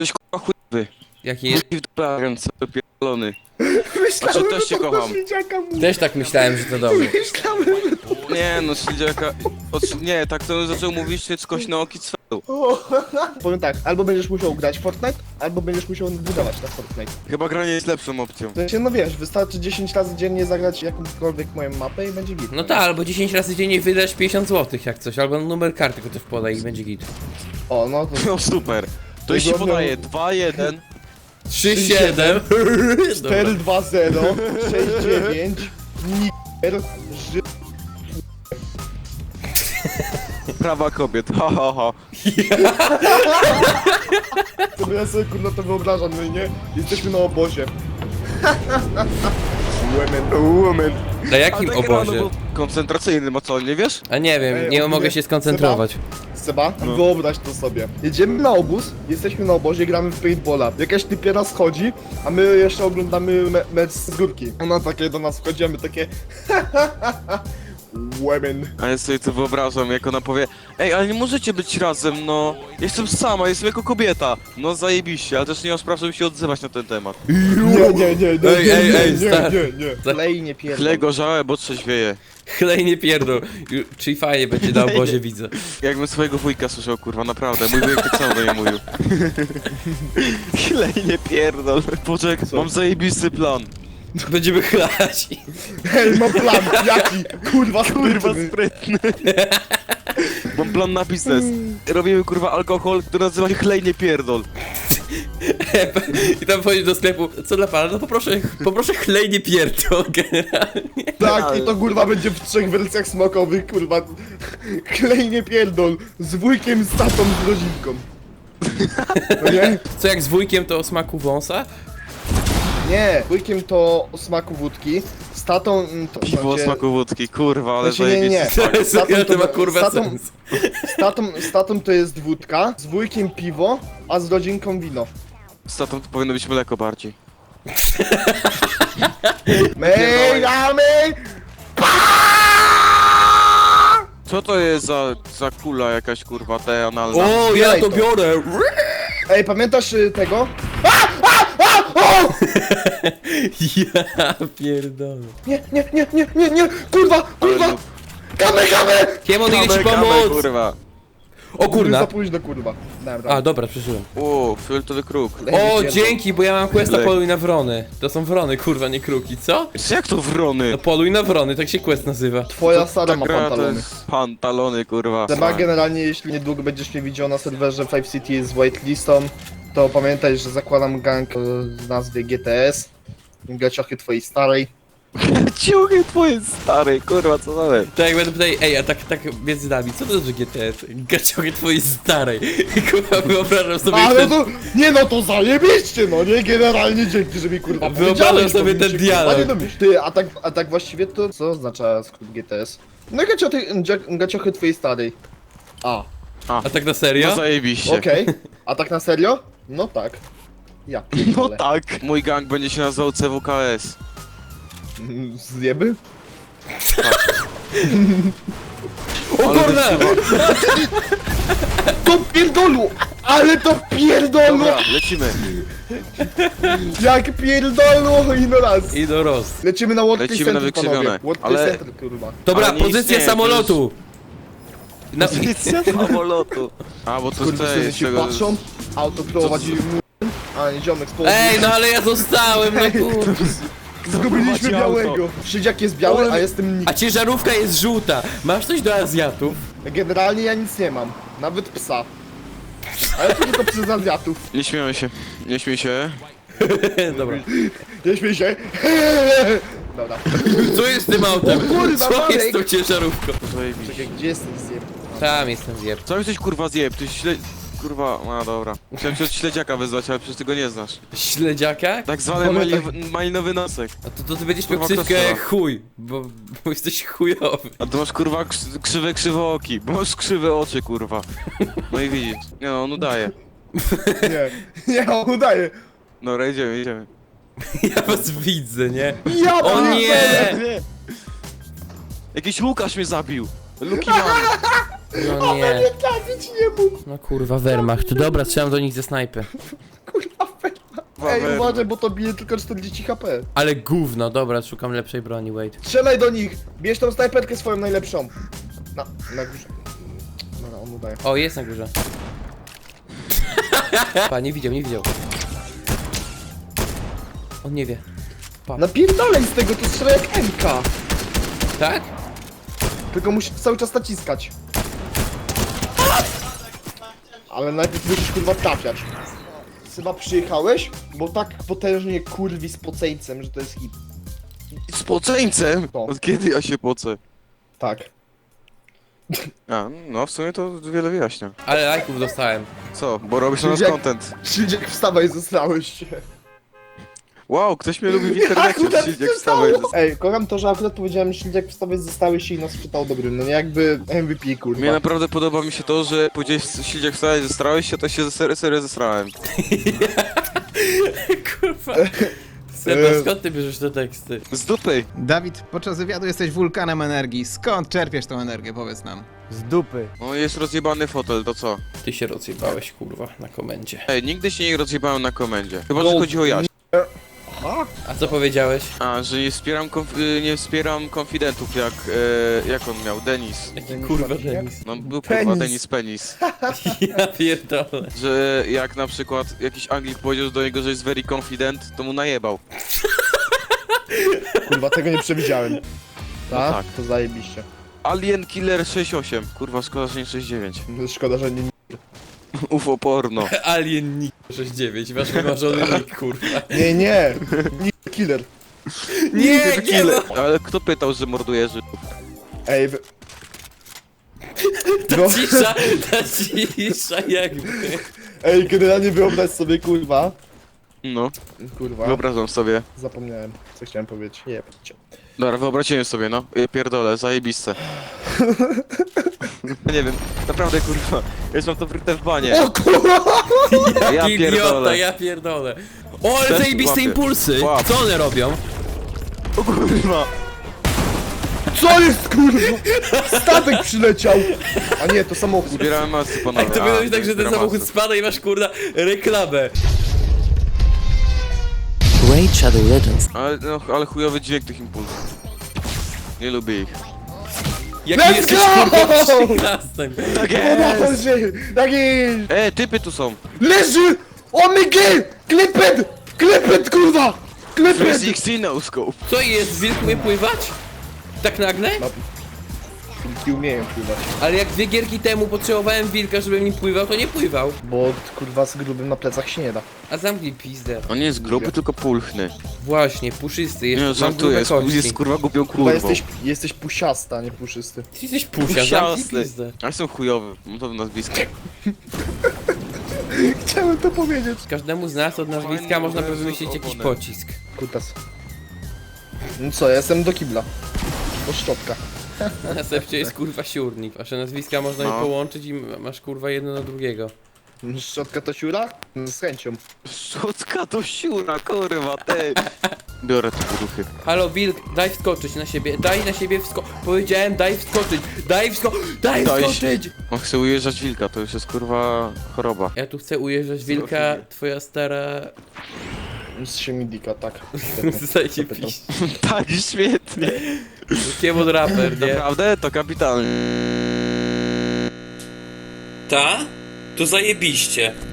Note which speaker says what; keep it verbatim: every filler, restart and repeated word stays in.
Speaker 1: Jesteś kurwa chujowy.
Speaker 2: Jaki jest?
Speaker 1: I w dupę ręce, pierdolony.
Speaker 3: Myślałem,
Speaker 1: Znaczy, też
Speaker 3: że
Speaker 1: cię
Speaker 3: to
Speaker 1: kocham.
Speaker 3: do śledziaka mówi.
Speaker 2: Też tak myślałem, że to do mnie.
Speaker 3: Myślałem, że to...
Speaker 1: Nie no, śledziaka... Oczy- Nie, tak to zaczął mówić się skośnooki cwelu.
Speaker 3: O. Powiem tak, albo będziesz musiał grać w Fortnite, albo będziesz musiał budować na Fortnite.
Speaker 1: Chyba granie jest lepszą opcją.
Speaker 3: W sensie, no wiesz, wystarczy dziesięć razy dziennie zagrać jakąkolwiek moją mapę i będzie git.
Speaker 2: No tak, albo dziesięć razy dziennie wydasz pięćdziesiąt złotych jak coś, albo numer karty, tylko też podaj i będzie git.
Speaker 3: O, no to...
Speaker 1: No super. To jeśli podaje dwa jeden.
Speaker 2: trzy siedem.
Speaker 3: cztery dwa zero sześć dziewięć Niger Ży...
Speaker 1: Prawa kobiet, ha ha ha.
Speaker 3: To ja sobie kurwa to wyobrażam, no i nie? Jesteśmy na obozie. Women.
Speaker 1: Woman.
Speaker 2: Na jakim
Speaker 1: Ale tak rano
Speaker 2: obozie?
Speaker 1: był koncentracyjny, a co, nie wiesz?
Speaker 2: A nie wiem,
Speaker 3: Ej,
Speaker 2: nie
Speaker 3: ogólnie
Speaker 2: mogę się skoncentrować.
Speaker 3: Seba,
Speaker 1: No.
Speaker 3: wyobraź to sobie. Jedziemy na obóz, jesteśmy na obozie, gramy w paintballa. Jakaś typiera schodzi, a my jeszcze oglądamy me mecz z górki. Ona takie do nas wchodzi, a my takie... Women.
Speaker 1: A ja sobie to wyobrażam, jak ona powie: ej, ale nie możecie być razem, no. Jestem sama, jestem jako kobieta. No zajebiście, ale też nie mam spraw, żeby się odzywać na ten temat.
Speaker 3: Nie, nie, nie, nie,
Speaker 2: Ej,
Speaker 3: nie,
Speaker 2: ej,
Speaker 3: nie,
Speaker 2: ej,
Speaker 3: nie,
Speaker 2: stary.
Speaker 3: nie, nie. Klej nie pierdol.
Speaker 1: Chlej gorzałe, bo trzeźwieje.
Speaker 2: Chlej nie pierdol. Ju- Czyli fajnie będzie na obozie, widzę.
Speaker 1: Jakbym swojego wujka słyszał, kurwa, naprawdę. Mój wujek tak samo do mnie mówił. Chlej nie pierdol. Poczekaj, mam zajebisty plan.
Speaker 2: Będziemy chlać.
Speaker 3: Hej, mam plan, jaki? Kurwa,
Speaker 1: Kurwa
Speaker 3: sprytny.
Speaker 1: sprytny. Mam plan na biznes. Robimy kurwa alkohol, który nazywa się chlej nie pierdol.
Speaker 2: I tam wchodzisz do sklepu. Co dla pana? No poproszę, poproszę chlej nie pierdol generalnie.
Speaker 3: Tak, i to kurwa będzie w trzech wersjach smakowych, kurwa. Klej nie pierdol. Z wujkiem, z tatą, z rodzinką. No nie?
Speaker 2: Co jak z wujkiem to o smaku wąsa?
Speaker 3: Nie, wujkiem to o smaku wódki, z tatą mm, to...
Speaker 1: Piwo o
Speaker 3: znaczy-
Speaker 1: smaku wódki, kurwa, ale
Speaker 3: Znaczy, nie, nie, nie.
Speaker 1: zajebisty smak.
Speaker 2: Ja to ma
Speaker 3: to-
Speaker 2: kurwa
Speaker 3: z tatą-
Speaker 2: sens.
Speaker 3: Z tatą, z tatą to jest wódka, z wujkiem piwo, a z rodzinką wino.
Speaker 1: Z tatą to powinno być mleko bardziej.
Speaker 3: My damy!
Speaker 1: Co to jest za, za kula jakaś kurwa, te analna?
Speaker 2: O, ja
Speaker 3: Zbieraj
Speaker 2: to
Speaker 3: to.
Speaker 2: biorę!
Speaker 3: Ej, pamiętasz y, tego?
Speaker 2: Ja pierdolę.
Speaker 3: Nie, nie, nie, nie, nie, nie, kurwa, kurwa!
Speaker 1: Ale-
Speaker 3: Kamy, kamy!
Speaker 2: Kiemon, idę ci
Speaker 1: Kame, kame,
Speaker 2: pomóc!
Speaker 1: kurwa.
Speaker 2: O
Speaker 3: Za
Speaker 2: kurna.
Speaker 3: późno, kurwa. Dobra.
Speaker 2: A, dobra, przeżyłem.
Speaker 1: O, fioletowy kruk.
Speaker 2: O, dzięki, bo ja mam questa
Speaker 1: Lek.
Speaker 2: poluj na wrony. To są wrony, kurwa, nie kruki, co?
Speaker 1: Jak to wrony?
Speaker 2: No poluj na wrony, tak się quest nazywa.
Speaker 3: Twoja stara
Speaker 1: Ta
Speaker 3: ma
Speaker 1: gra to
Speaker 3: pantalony.
Speaker 1: jest pantalony, kurwa.
Speaker 3: Seba, generalnie jeśli niedługo będziesz mnie widział na serwerze Five City z whitelistą, to pamiętaj, że zakładam gang o nazwie G T S. Gaciochy twojej starej.
Speaker 1: Ciuchy twoje stary, kurwa, co dalej?
Speaker 2: Tak jak będę tutaj, ej, a tak, tak między nami, co to znaczy G T S? Gaciochy twojej starej. Kurwa, wyobrażam sobie
Speaker 3: Ale
Speaker 2: ten...
Speaker 3: to, nie no to zajebiście, no nie? Generalnie dzięki, że mi kurwa
Speaker 2: Wyobrażam
Speaker 3: powiedziałeś,
Speaker 2: sobie
Speaker 3: to
Speaker 2: ten
Speaker 3: mi się, kurwa,
Speaker 2: dialog.
Speaker 3: nie domyśl. Ty, a tak, a tak właściwie to co oznacza skrót G T S? No gaciochy, dzia- gaciochy twojej starej. A,
Speaker 2: A tak na serio?
Speaker 1: No zajebiście.
Speaker 3: okej. A tak na serio? No tak. Ja
Speaker 1: No
Speaker 3: pierdolę.
Speaker 1: tak. Mój gang będzie się nazywał C W K S.
Speaker 3: Mm, Zjeby?
Speaker 2: O
Speaker 1: Ale
Speaker 2: kurna!
Speaker 3: To pierdolu! Ale to pierdolu!
Speaker 1: Dobra, lecimy.
Speaker 3: Jak pierdolu i no raz!
Speaker 2: I do roz.
Speaker 3: Lecimy na World Trade
Speaker 1: Lecimy na
Speaker 3: Center,
Speaker 1: wykrzywione,
Speaker 3: panowie. World Trade
Speaker 1: ale-
Speaker 3: Center, kurwa.
Speaker 2: Dobra,
Speaker 1: Ale nie
Speaker 2: pozycja
Speaker 1: istnieje, to
Speaker 2: samolotu. Na...
Speaker 1: Pozycja samolotu. A, bo to
Speaker 3: Kurwa,
Speaker 1: jest
Speaker 3: wszyscy
Speaker 1: z
Speaker 3: się
Speaker 1: tego...
Speaker 3: patrzą, auto prowadzi mu... A nie, ziomek z południa.
Speaker 2: Ej, no ale ja zostałem, no kurwa.
Speaker 3: Zgubiliśmy
Speaker 1: prowadzi
Speaker 3: białego. Szydziak jest biały, a jestem nikt.
Speaker 2: A ciężarówka jest żółta. Masz coś do Azjatów?
Speaker 3: Generalnie ja nic nie mam. Nawet psa. Ale to tylko przez Azjatów.
Speaker 1: Nie śmiejmy się. Nie śmiej się.
Speaker 2: Dobra.
Speaker 3: Nie śmiej się. Dobra.
Speaker 2: Co jest z tym autem?
Speaker 3: O kurwa,
Speaker 2: Co
Speaker 3: Marek!
Speaker 2: jest z tą ciężarówką?
Speaker 1: Zajebiście.
Speaker 3: Czekaj, gdzie jest ten zjeb?
Speaker 2: Tam jestem zjeb.
Speaker 1: Co jesteś kurwa zjeb? Ty śle... Kurwa, no dobra. Chciałem cię od śledziaka wezwać, ale przecież ty go nie znasz.
Speaker 2: Śledziaka?
Speaker 1: Tak zwany
Speaker 3: Ale
Speaker 1: mali...
Speaker 3: tak-
Speaker 1: malinowy nosek.
Speaker 2: A to, to ty będziesz miał
Speaker 1: Kurwa,
Speaker 2: ksywkę
Speaker 1: kostela.
Speaker 2: jak chuj, bo, bo jesteś chujowy.
Speaker 1: A ty masz kurwa krzy- krzywe krzywooki, bo masz krzywe oczy kurwa. No i widzisz. Nie no, on udaje.
Speaker 3: Nie, nie, on udaje.
Speaker 1: Dobra, idziemy, idziemy.
Speaker 2: Ja was widzę, nie?
Speaker 3: Ja
Speaker 2: O nie!
Speaker 3: pierdolę.
Speaker 1: Jakiś Łukasz mnie zabił! Luki man!
Speaker 2: No nie.
Speaker 3: Nie trafić nie mógł.
Speaker 2: No kurwa, Wehrmacht. Dobra, strzelam do nich ze snajpy.
Speaker 3: Kurwa, Wehrmacht. Ej, uważaj, bo to bije tylko czterdzieści HP.
Speaker 2: Ale gówno, dobra, szukam lepszej broni, wait.
Speaker 3: Strzelaj do nich! Bierz tą snajperkę swoją najlepszą. Na, na górze. Dobra, on udaje.
Speaker 2: O, jest na górze. Pa, nie widział, nie widział. On nie wie.
Speaker 3: Napierdalaj z tego, to strzela jak M K.
Speaker 2: Tak?
Speaker 3: Tylko musisz cały czas naciskać. Ale najpierw musisz kurwa trafiać. Chyba przyjechałeś? Bo tak potężnie kurwi z poceńcem, że to jest hit.
Speaker 1: Z poceńcem?
Speaker 3: No.
Speaker 1: Od kiedy ja się pocę?
Speaker 3: Tak.
Speaker 1: A, no w sumie to wiele wyjaśnia.
Speaker 2: Ale lajków dostałem.
Speaker 1: Co? Bo robisz na nas
Speaker 3: Jak-
Speaker 1: content.
Speaker 3: Krzydziek, wstawaj, zostałeś się.
Speaker 1: Wow, ktoś mnie lubi w internecie,
Speaker 3: Akurat
Speaker 1: Krzysiek,
Speaker 3: się
Speaker 1: wstawaj.
Speaker 3: stało. Ej, kocham to, że akurat powiedziałem Krzydziek, wstawaj, zostałeś się i nas czytał dobrym. No nie jakby M V P kurwa.
Speaker 1: Mnie naprawdę podoba mi się to, że powiedziałeś Sildziak wstałeś, zestrałeś się, to się serio, serio zestrałem.
Speaker 2: Kurwa. Seba, skąd ty bierzesz te teksty?
Speaker 1: Z dupy!
Speaker 4: Dawid, podczas wywiadu jesteś wulkanem energii. Skąd czerpiesz tą energię, powiedz nam?
Speaker 5: Z dupy.
Speaker 1: No jest rozjebany fotel, to co?
Speaker 2: Ty się rozjebałeś, kurwa, na komendzie.
Speaker 1: Ej, nigdy się nie rozjebałem na komendzie. Chyba,
Speaker 3: No.
Speaker 1: że chodzi o Jaś.
Speaker 3: Aha.
Speaker 2: A co powiedziałeś?
Speaker 1: A, że nie wspieram, konf y, nie wspieram konfidentów jak, e, jak on miał, Denis.
Speaker 2: Jaki
Speaker 3: Denis
Speaker 2: kurwa
Speaker 3: Marciniak?
Speaker 2: Denis?
Speaker 1: No był
Speaker 3: Penis.
Speaker 1: kurwa Denis Penis.
Speaker 2: Ja pierdolę.
Speaker 1: Że jak na przykład jakiś Anglik powiedział do niego, że jest very confident, to mu najebał.
Speaker 3: Kurwa, tego nie przewidziałem.
Speaker 1: No
Speaker 3: Tak?
Speaker 1: tak.
Speaker 3: To zajebiście.
Speaker 1: Alien Killer sześć osiem. Kurwa, szkoda, że nie sześć dziewięć.
Speaker 3: Szkoda, że nie...
Speaker 1: U F O porno.
Speaker 2: Alien Nick sześćdziesiąt dziewięć, masz wymarzony nick, kurwa.
Speaker 3: Nie, nie! Nie, killer.
Speaker 2: Nie, nie ma!
Speaker 1: Ale kto pytał, że morduje Żydów?
Speaker 3: Ej, wy...
Speaker 2: Ta
Speaker 3: No,
Speaker 2: cisza, ta cisza jakby.
Speaker 3: ej, generalnie wyobraź sobie, kurwa.
Speaker 1: No,
Speaker 3: Kurwa,
Speaker 1: wyobrażam sobie.
Speaker 3: zapomniałem, co chciałem powiedzieć. Nie, patrzcie.
Speaker 1: Dobra, wyobraziłem sobie, no. Ja pierdolę, zajebiste. Nie wiem, naprawdę kurwa, już mam to wryte w banie.
Speaker 3: O kurwa!
Speaker 1: Ja
Speaker 2: Jaki idiota,
Speaker 1: pierdolę.
Speaker 2: ja pierdolę. O, ale
Speaker 1: Też
Speaker 2: zajebiste
Speaker 1: łapię.
Speaker 2: impulsy!
Speaker 1: Łap.
Speaker 2: Co one robią?
Speaker 1: O kurwa.
Speaker 3: Co jest, kurwa? Statek przyleciał! A nie, to samochód.
Speaker 1: Zbierałem masy, panowie.
Speaker 2: Tak, to
Speaker 1: A,
Speaker 2: powinno być tak, że ten
Speaker 1: zbieram
Speaker 2: samochód
Speaker 1: masy.
Speaker 2: spada i masz kurna reklamę.
Speaker 6: Raid Shadow Legends.
Speaker 1: Ale, no, ale chujowy dźwięk tych impulsów. Nie lubię ich.
Speaker 2: Jaki
Speaker 3: Let's
Speaker 2: jesteś
Speaker 3: go!
Speaker 2: kurwa przyklastem.
Speaker 1: Tak
Speaker 3: Boże, tak jest!
Speaker 1: E, typy tu są.
Speaker 3: Leży! O my god! Klepet! Klepet, kurwa! Klepet!
Speaker 1: trzysta szesnaście no scope.
Speaker 2: Co jest, wilk umie pływać? Tak nagle?
Speaker 3: No. Wilki umieją pływać.
Speaker 2: Ale jak dwie gierki temu potrzebowałem wilka, żeby mi pływał, to nie pływał.
Speaker 3: Bo kurwa z grubym na plecach się nie da.
Speaker 2: A zamknij pizdę.
Speaker 1: On nie jest gruby, tylko pulchny.
Speaker 2: Właśnie, puszysty,
Speaker 1: Nie,
Speaker 2: jest,
Speaker 1: no,
Speaker 2: mam
Speaker 1: żartuję,
Speaker 2: grube
Speaker 1: jest,
Speaker 2: kości.
Speaker 1: jest kurwa głupią
Speaker 3: Kurwa,
Speaker 1: kurwą.
Speaker 3: jesteś, jesteś pusiasta, a nie puszysty.
Speaker 2: Ty jesteś pusia, zamknij
Speaker 1: Siasny.
Speaker 2: pizdę.
Speaker 1: A jestem chujowy, mam to w nazwisku.
Speaker 3: Chciałem to powiedzieć.
Speaker 2: Każdemu z nas od nazwiska można by wymyślić jakiś pocisk.
Speaker 3: Kutas. No co, ja jestem do kibla. Do szczotka.
Speaker 2: Na następcie jest kurwa siurnik. Wasze nazwiska można
Speaker 1: No.
Speaker 2: je połączyć i masz kurwa jedno na drugiego.
Speaker 3: Szczotka to siura? Z chęcią.
Speaker 1: Szucka to siura, kurwa, ty. Biorę te poduchy.
Speaker 2: Halo wilk, daj wskoczyć na siebie, daj na siebie wsko... Powiedziałem daj wskoczyć, daj wsko... Daj
Speaker 1: Daj
Speaker 2: wskoczyć!
Speaker 1: On chce ujeżdżać wilka, to już jest kurwa choroba.
Speaker 2: Ja tu chcę ujeżdżać wilka, twoja stara...
Speaker 3: Z siemidika, tak.
Speaker 2: Zostajcie
Speaker 3: Zapytał.
Speaker 2: piść.
Speaker 1: Tak, świetnie.
Speaker 2: Kiemon raper, nie?
Speaker 1: Naprawdę? To kapitalnie.
Speaker 2: Ta? To zajebiście.